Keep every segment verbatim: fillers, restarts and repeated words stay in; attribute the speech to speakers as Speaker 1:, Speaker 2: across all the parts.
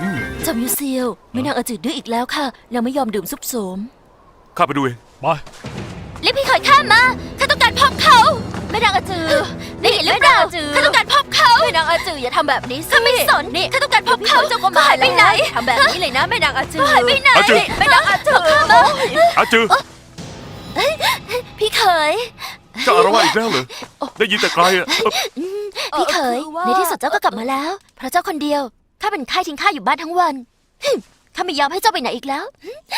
Speaker 1: จอมยูเซียวแม่นางอาจืดดื้ออีกแล้วค่ะยังไม่ยอมดื่มซุปโสม
Speaker 2: ข้าไปดูเอง
Speaker 3: ไป
Speaker 1: เรียกพี่เขยข้ามาข้าต้องการพบเขาแม่นางอาจือได้ยินหรือเปล่าข้าต้องการพบเขาแม่นางอาจืออย่าทำแบบนี้สิข้าไม่สนนี่ข้าต้องการพบเขาเจ้าก็มาไปไหนทำแบบนี้เลยนะแม่นางอาจือหายไปไหนแม่นางอาจือ
Speaker 2: อาจือ
Speaker 1: พี่เขย
Speaker 2: เจ้าอารวาสอีกแล้วเหรอได้ยินแต่ไกลอ่ะ
Speaker 1: พี่เขยในที่สุดเจ้าก็กลับมาแล้วเพราะเจ้าคนเดียวข้าเป็นไข้ทิ้งข้าอยู่บ้านทั้งวันข้าไม่ยอมให้เจ้าไปไหนอีกแล้ว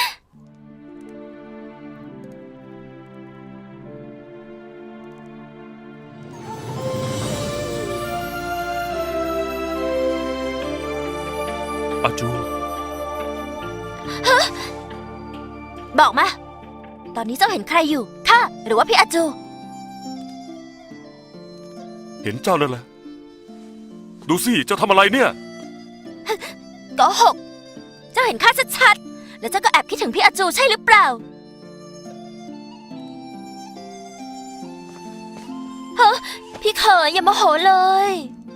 Speaker 2: อาจู
Speaker 1: บอกมาตอนนี้เจ้าเห็นใครอยู่ข้าหรือว่าพี่อาจู
Speaker 2: เห็นเจ้านั่นแหละดูสิเจ้าทำอะไรเนี่ย
Speaker 1: โกหกเจ้าเห็นข้าชัดๆแล้วเจ้าก็แอบคิดถึงพี่อาจูใช่หรือเปล่าฮะพี่เขยอย่าโมโหเลย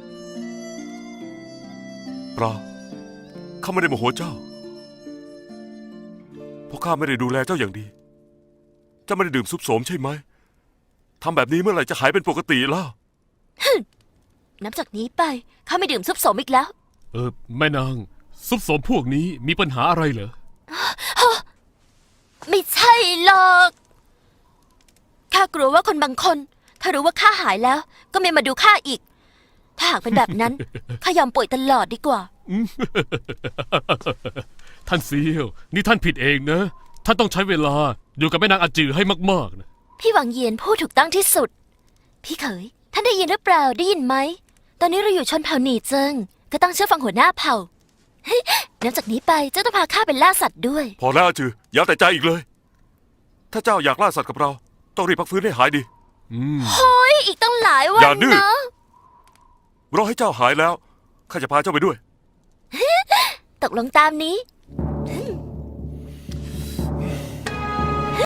Speaker 2: เปล่าข้าไม่ได้โมโหเจ้าเพราะข้าไม่ได้ดูแลเจ้าอย่างดีเจ้าไม่ได้ดื่มซุปโสมใช่ไหมทำแบบนี้เมื่อไหร่จะหายเป็นปกติแล้ว
Speaker 1: นับจากนี้ไปข้าไม่ดื่มซุปโสมอีกแล้ว
Speaker 3: เออแม่นางซุปโสมพวกนี้มีปัญหาอะไรเหรอ
Speaker 1: ไม่ใช่หรอกข้ากลัวว่าคนบางคนถ้ารู้ว่าข้าหายแล้วก็ไม่มาดูข้าอีกถ้าหากเป็นแบบนั้น ข้ายอมป่วยตลอดดีกว่า
Speaker 3: ท่านเซียวนี่ท่านผิดเองนะท่านต้องใช้เวลาอยู่กับแม่นางอาจือให้มากๆนะ
Speaker 1: พี่หวังเยียนพูดถูกต้องที่สุดพี่เขยท่านได้ยินหรือเปล่าได้ยินไหมตอนนี้เราอยู่ชนเผ่าหนีเจิงก็ต้องเชื่อฟังหัวหน้าเผ่านับจากนี้ไปเจ้าต้องพาข้าไปล่าสัตว์ด้วย
Speaker 2: พอแล้วอาจืออย่าแต่ใจอีกเลยถ้าเจ้าอยากล่าสัตว์กับเราต้องรีบพักฟื้นให้หายดี
Speaker 1: โฮ้ยอีกต้องหลายวัน
Speaker 2: อย่าดื้อ
Speaker 1: นะ
Speaker 2: รอให้เจ้าหายแล้วข้าจะพาเจ้าไปด้วย
Speaker 1: ตกลงตามนี้